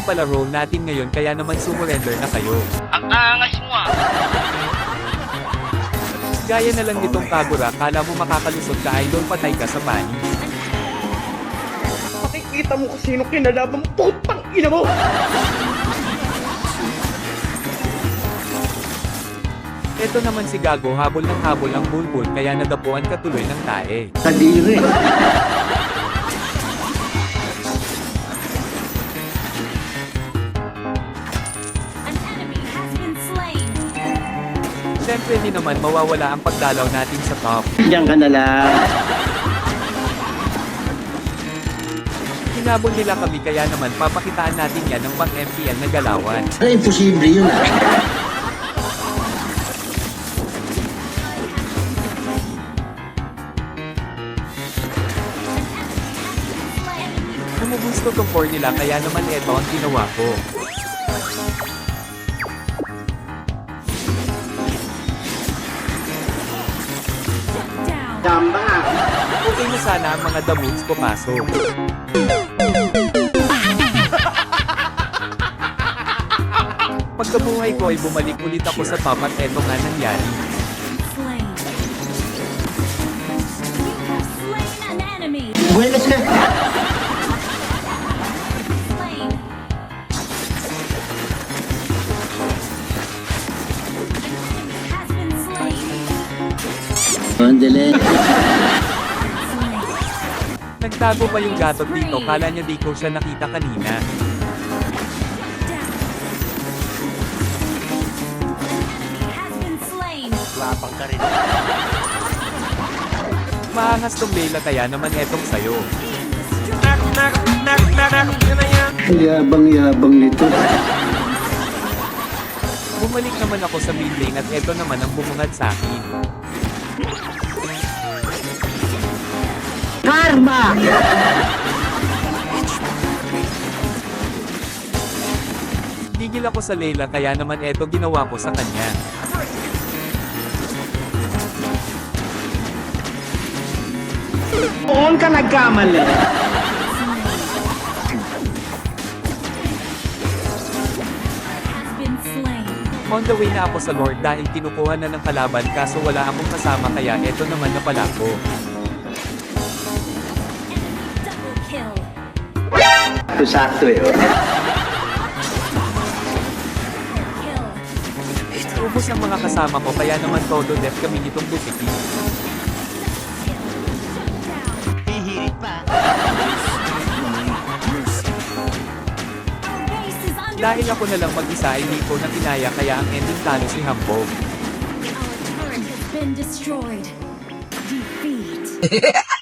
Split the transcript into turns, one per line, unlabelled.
pala role natin ngayon kaya naman sumurrender na kayo.
Ang angas mo ah.
Gaya na lang nitong Kagura, kala mo makakalusot ka idol, patay ka sa pani.
Makikita mo kung sino kinalaban mo, putang ina mo!
Ito naman si Gago, habol ng habol ang bulbul kaya nadapuan ka tuloy ng tae.
Kadiri.
An enemy has been slain.
Siyempre di naman mawawala ang pagdalaw natin sa top.
Diyan ka na lang.
Hinabol nila kami kaya naman papakitaan natin yan ng pang-MPL na galawan.
Ano, imposible yun ah.
Numugusto tong core nila kaya naman eto ang ginawa ko.
Down.
Tama.
Okay na sana ang mga damuts ko pasok. Pagkabuhay ko ay bumalik ulit ako sa top at eto nga nangyari.
Slain. You have slain an enemy.
Buenas ka.
Slain. An enemy has been slain.
Mandali.
Slain.
Nagtago pa yung gatot dito, kala niya di ko siya nakita kanina.
Down. Enemy has been slain.
Labang ka rin.
Maangas tong Layla kaya naman etong sayo.
Being destroyed.
Yabang-yabang nito.
Bumalik naman ako sa mid lane at eto naman ang bumungad sa akin.
Karma!
Tigil ako sa Layla kaya naman eto ginawa ko sa kanya.
Doon ka nagkamali.
Has been slain.
On the way na ako sa Lord dahil kinukuha na ng kalaban kaso wala akong kasama kaya eto naman na pala ko.
Enemy double kill.
Sakto eh.
Kill.
Ubus ang mga kasama ko kaya naman todo death kami nitong butiki.
Hihirit pa.
Dahil ako na lang mag-isa ay hindi ko na kinaya kaya ang ending talo si Hambog.
Our turret has been destroyed. Defeat.